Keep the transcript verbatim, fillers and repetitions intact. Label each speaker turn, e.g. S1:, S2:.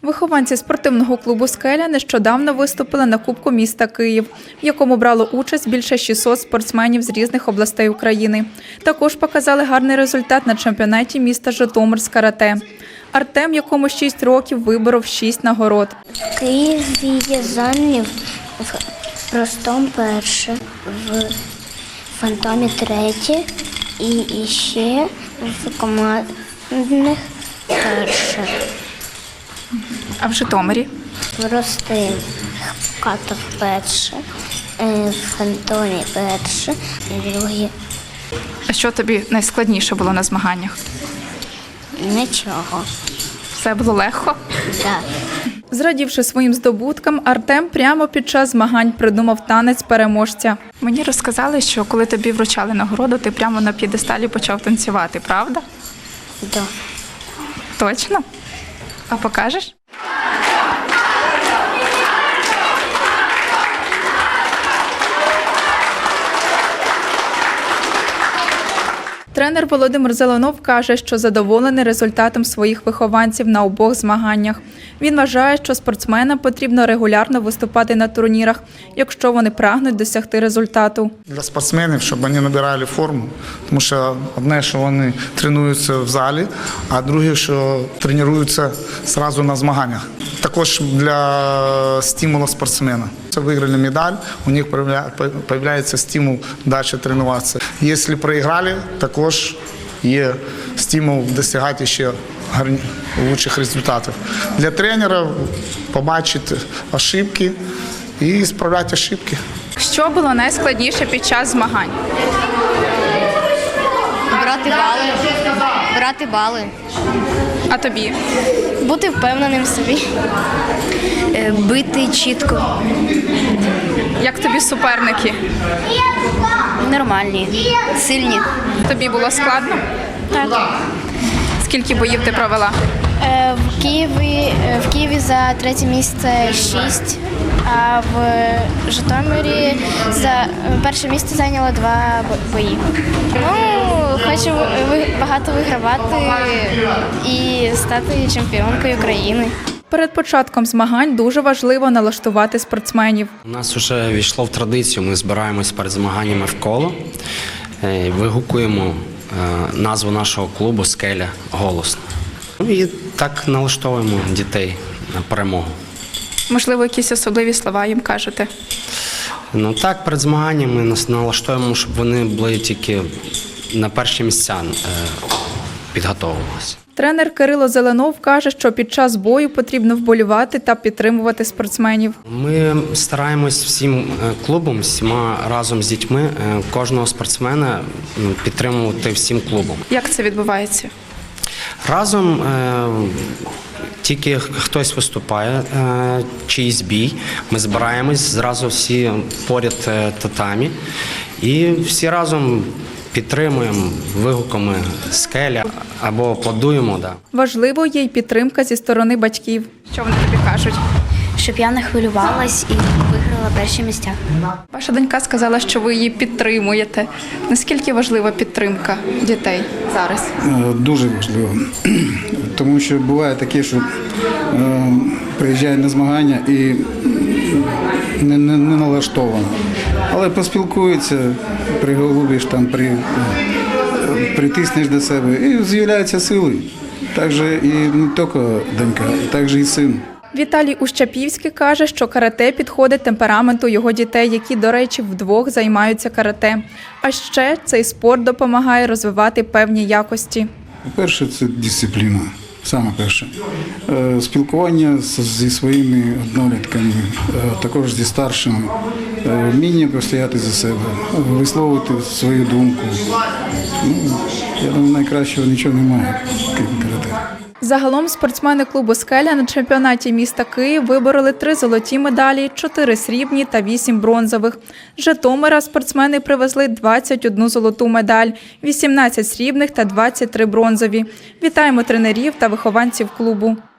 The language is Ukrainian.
S1: Вихованці спортивного клубу «Скеля» нещодавно виступили на Кубку міста Київ, в якому брало участь більше шістсот спортсменів з різних областей України. Також показали гарний результат на чемпіонаті міста Житомир з карате. Артем, якому шість років, виборов шість нагород.
S2: В Києві я зайняв в простому перше, в фантомі третє і ще в командних перше.
S1: А в Житомирі?
S2: Простим катов перше, в фантомі перше і друге.
S1: А що тобі найскладніше було на змаганнях?
S2: Нічого.
S1: Все було легко?
S2: Так.
S1: Зрадівши своїм здобуткам, Артем прямо під час змагань придумав танець переможця. Мені розказали, що коли тобі вручали нагороду, ти прямо на п'єдесталі почав танцювати, правда?
S2: Да.
S1: Точно? А покажеш? Тренер Володимир Зеленов каже, що задоволений результатом своїх вихованців на обох змаганнях. Він вважає, що спортсменам потрібно регулярно виступати на турнірах, якщо вони прагнуть досягти результату.
S3: Для спортсменів, щоб вони набирали форму, тому що одне, що вони тренуються в залі, а друге, що тренуються одразу на змаганнях. Також для стимулу спортсмена. Виграли медаль, у них з'являється стимул далі тренуватися. Якщо програли, також є стимул досягати ще кращих результатів. Для тренера побачити ошибки і справляти ошибки.
S1: Що було найскладніше під час змагань?
S4: Брати бали. Брати бали.
S1: А тобі?
S4: Бути впевненим в собі. Бити чітко.
S1: Як тобі суперники?
S4: Нормальні. Сильні.
S1: Тобі було складно?
S4: Так.
S1: Скільки боїв ти провела?
S4: В Києві, в Києві за третє місце шість, а в Житомирі за перше місце зайняло два бої. Ну, хочу багато вигравати і стати чемпіонкою України.
S1: Перед початком змагань дуже важливо налаштувати спортсменів.
S5: У нас вже війшло в традицію, ми збираємось перед змаганнями в коло, вигукуємо назву нашого клубу «Скеля» голосно. І так налаштовуємо дітей на перемогу.
S1: Можливо, якісь особливі слова їм кажете?
S5: Ну так, перед змаганнями нас налаштовуємо, щоб вони були тільки на перші місця підготовувалися.
S1: Тренер Кирило Зеленов каже, що під час бою потрібно вболівати та підтримувати спортсменів.
S5: Ми стараємось всім клубом, всіма разом з дітьми, кожного спортсмена підтримувати всім клубом.
S1: Як це відбувається?
S5: Разом тільки хтось виступає, чийсь бій, ми збираємось зразу всі поряд татамі і всі разом підтримуємо вигуками «Скеля» або аплодуємо. Да.
S1: Важливо є й підтримка зі сторони батьків. Що вони тобі кажуть?
S4: Щоб я не хвилювалась і виграла перші місця.
S1: Ваша донька сказала, що ви її підтримуєте. Наскільки важлива підтримка дітей зараз?
S6: Дуже важливо. Тому що буває таке, що е, приїжджає на змагання і не, не, не налаштовано. Але поспілкуються, приголубиш, там, при, притиснеш до себе і з'являються сили. Так же і не тільки донька, так же і син.
S1: Віталій Ущапівський каже, що карате підходить темпераменту його дітей, які, до речі, вдвох займаються карате. А ще цей спорт допомагає розвивати певні якості.
S6: Перше – це дисципліна, саме перше. Спілкування зі своїми однолітками, також зі старшими, вміння постояти за себе, висловити свою думку. Ну, я думаю, найкращого нічого немає, крім карате.
S1: Загалом спортсмени клубу «Скеля» на чемпіонаті міста Київ вибороли три золоті медалі, чотири срібні та вісім бронзових. З Житомира спортсмени привезли двадцять одну золоту медаль, вісімнадцять срібних та двадцять три бронзові. Вітаємо тренерів та вихованців клубу.